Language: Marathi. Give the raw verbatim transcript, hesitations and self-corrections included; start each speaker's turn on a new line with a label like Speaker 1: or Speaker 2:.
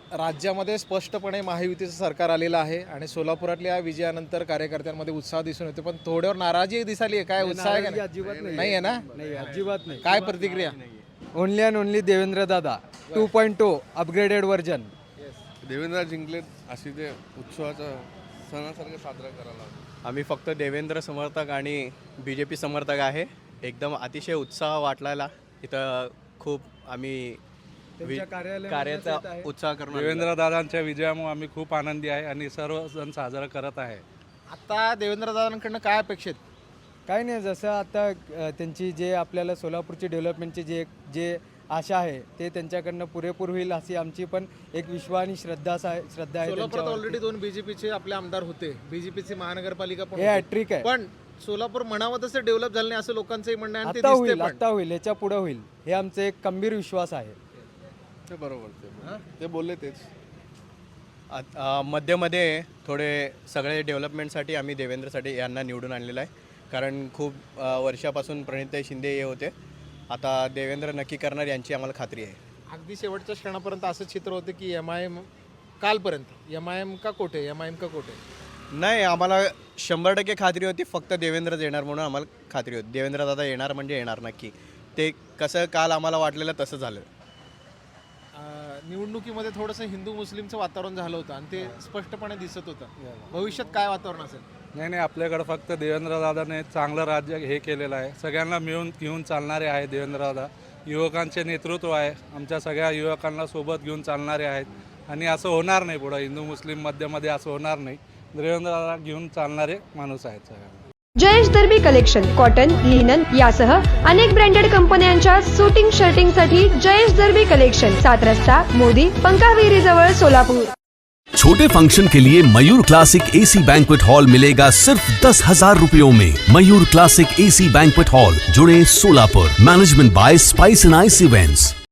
Speaker 1: राज्यामध्ये स्पष्टपणे महायुतीचं सरकार आलेलं आहे आणि सोलापुरातल्या विजयानंतर कार्यकर्त्यांमध्ये उत्साह दिसून येतो, पण थोड्यावर नाराजी दिसाली आहे. काय उत्साह आहे का नाही?
Speaker 2: अजिबात नाही
Speaker 1: नाही आहे ना?
Speaker 2: नाही अजिबात नाही.
Speaker 1: काय प्रतिक्रिया?
Speaker 2: ओनली अँड ओनली देवेंद्र दादा two point two upgraded version.
Speaker 3: Devendra जिंकले अशी ते उत्सवाचा सणासारखं साजरा करायला हवं.
Speaker 4: आम्ही फक्त देवेंद्र समर्थक आणि बी जे पी समर्थक आहे. एकदम अतिशय उत्साह वाटलेला इथं. खूप आम्ही
Speaker 2: त्यांच्या कार्यालयामध्ये
Speaker 4: कार्याचा
Speaker 2: येत आहे.
Speaker 4: उत्साह करून
Speaker 5: देवेंद्र दादांच्या विजयामुळे आम्ही खूप आनंदी आहे आणि सर्व सण साजरा करत आहे.
Speaker 1: आता देवेंद्र दादांकडनं काय अपेक्षित?
Speaker 2: काही नाही, जसं आता अ, त्यांची जे आपल्याला सोलापूरची डेव्हलपमेंटची जे जे आशा आहे ते त्यांच्याकडनं पुरेपूर होईल अशी आमची पण एक विश्वास आणि श्रद्धा आहे श्रद्धा आहे
Speaker 1: सोलापुरात
Speaker 2: त्यांच्यावरती.
Speaker 1: ऑलरेडी दोन बीजेपीचे आपले आमदार होते, बीजेपीची महानगरपालिका पण
Speaker 2: हे
Speaker 1: होती.
Speaker 2: हॅट्रिक आहे.
Speaker 1: पण सोलापूर म्हणावं तसं डेव्हलप झालं नाही असं लोकांचंही म्हणणं आहे आणि ते
Speaker 2: आता
Speaker 1: दिसते
Speaker 2: होईल
Speaker 1: पण.
Speaker 2: आता होईल याच्या पुढे होईल हे आमचं एक खंबीर विश्वास आहे.
Speaker 3: ते बरोबर ते ते बोलले तेच.
Speaker 4: आत- अ, मध्ये मध्ये थोडे सगळे डेव्हलपमेंटसाठी आम्ही देवेंद्रसाठी यांना निवडून आणलेलं आहे. कारण खूप अ, वर्षापासून प्रणिताई शिंदे हे होते. आता देवेंद्र नक्की करणार यांची आम्हाला खात्री आहे.
Speaker 1: अगदी शेवटच्या क्षणापर्यंत असं चित्र होतं की एम आय एम कालपर्यंत एम आय एम का कोठे एम आय एम का कोठे
Speaker 4: नाही, आम्हाला शंभर टक्के खात्री होती फक्त देवेंद्रच येणार म्हणून आम्हाला खात्री होती. देवेंद्र दादा येणार म्हणजे येणार नक्की. ते कसं काल आम्हाला वाटलेलं तसं झालं.
Speaker 1: अं, निवडणुकीमध्ये थोडंसं हिंदू मुस्लिमचं वातावरण झालं होतं आणि ते स्पष्टपणे दिसत होतं. भविष्यात काय वातावरण असेल?
Speaker 5: नाही नाही, आपल्याकडे फक्त देवेंद्र दादाने चांगलं राज्य हे केलेलं आहे. सगळ्यांना मिळून घेऊन चालणारे आहे देवेंद्र दादा. युवकांचे नेतृत्व आहे, आमच्या सगळ्या युवकांना सोबत घेऊन चालणारे आहेत. आणि असं होणार नाही पुढं हिंदू मुस्लिम मध्यमध्ये असं होणार नाही. देवेंद्र दादा घेऊन चालणारे माणूस आहेत सगळ्यांना.
Speaker 6: Jayesh Darbi collection cotton, linen यासह अनेक ब्रँडेड कंपन्यांच्या सुटिंग शर्टिंगसाठी जयेश दर्बी कलेक्शन, सात रस्ता मोदी पंकाविरी जवळ सोलापूर.
Speaker 7: छोटे फंक्शन के लिए Mayur classic AC banquet hall मिलेगा सिर्फ दस हजार रुपयों में। Mayur classic AC banquet hall, जुड़े Solapur. Management by spice and ice events.